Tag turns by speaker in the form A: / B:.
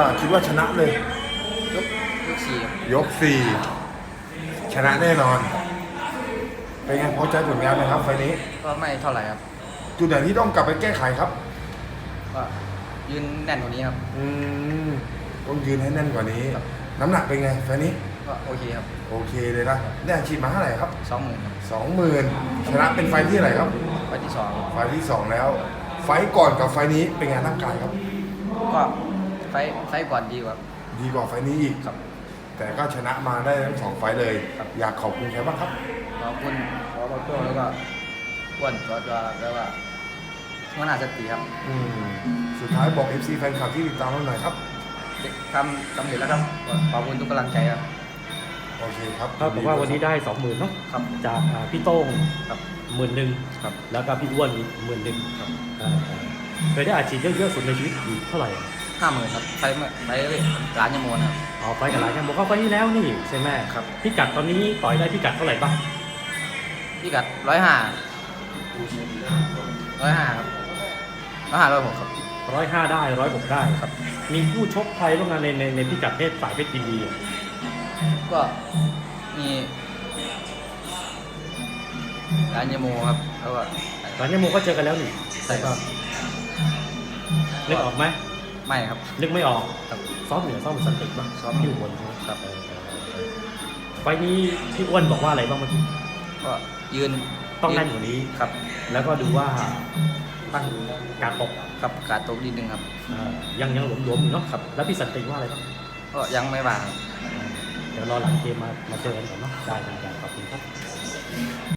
A: คิดว่าชนะเลย
B: ยกยกสี่ครับ
A: ยกสี่ชนะแน่นอน เป็นไงพอใจผลงานไหมครับไฟล์นี้
B: ก็ไม่เท่าไหร่ครับ
A: จุดไหนที่ต้องกลับไปแก้ไขครับ
B: ก็ยืนแน่นกว่านี้ครับ
A: ต้องยืนให้แน่นกว่านี้ น้ำหนักเป็นไงไฟล์นี้
B: ก็โอเคครับ
A: โอเคเลยนะได้อาชีพมาเท่าไหร่ครับ
B: 20,000ครับ
A: 20,000ชนะเป็นไฟล์ที่อะไหรครับ
B: ไฟล์ที่สอง
A: ไฟล์ที่สองแล้ว ไฟล์ก่อนกับไฟล์นี้เป็นไงร่างกายครับ
B: ก็ไฟล์ก่อนดีกว่า
A: ดีกว่าไฟล์นี้อีก
B: ครับ
A: แต่ก็ชนะมาได้ทั้งสองไฟล์เลย
B: ครับ
A: อยากขอบคุณใครบ้างครับ
B: ขอบคุณขอบคุณแล้วก็อ้วนตัวแล้วก็หัวหน้าสติครับ
A: สุดท้ายบอก FC แฟนคลับที่ติดตามเราหน่อยครับ
B: ทำสำเร็จแล้วครับขอบคุณทุกกำลังใจครับ
A: โอเคครับ
C: เท่ากับว่าวันนี้ได้ 20,000เนาะ
B: ครับ
C: จากพี่โต้ง
B: ครับ
C: 10,000
B: ครับ
C: แล้วก็พี่อ้วนอีก10,000
B: ครับ
C: เคยได้อาชีพเยอะๆสุดในชีวิตอยู่เท่าไหร่อะ
B: 50,000ครับไฟร้านยมโมนะครับ
C: อ๋อไฟกับหลายกันบอกว่าไฟที่แล้วนี่ใช่ไหม
B: ครับ
C: พิกัดตอนนี้ต่อยได้พิกัดเท่าไหร่บ้าง
B: พี่กัด105ครับ105 106ครับ
C: 105ได้106ได้ครับมีผู้ชกไทยร่วมงานในพิกัดเพศสายเพชรยินดีอะ
B: ก็มีร้านยมโมครับแล้วก็
C: หลังจากโมก็เจอกันแล้วนี่
B: ใช่ครับ
C: นึกออกไหม
B: ไม่ครับ
C: นึกไม่ออก
B: ครับ
C: ซ้อมเหนือซ้อมสันติบ้าง
B: ซ้อม
C: ที่อุบลใช่ไหม
B: ครับ
C: ไฟล์นี้พี่อ้วนบอกว่าอะไรบ้างเมื่อกี้
B: ก็ยืน
C: ต้องแน่นกว่านี้
B: ครับ
C: แล้วก็ดูว่าตั้งการตก
B: ครับการตกนิดนึงครับ
C: ยังหลวมๆอยู่เนาะครับแล้วพี่สันติว่าอะไรบ้าง
B: ก็ยังไม่ว่างครับ
C: เดี๋ยวรอหลังเกมมาเจอกันก่อนเนาะได้ขอบคุณครับ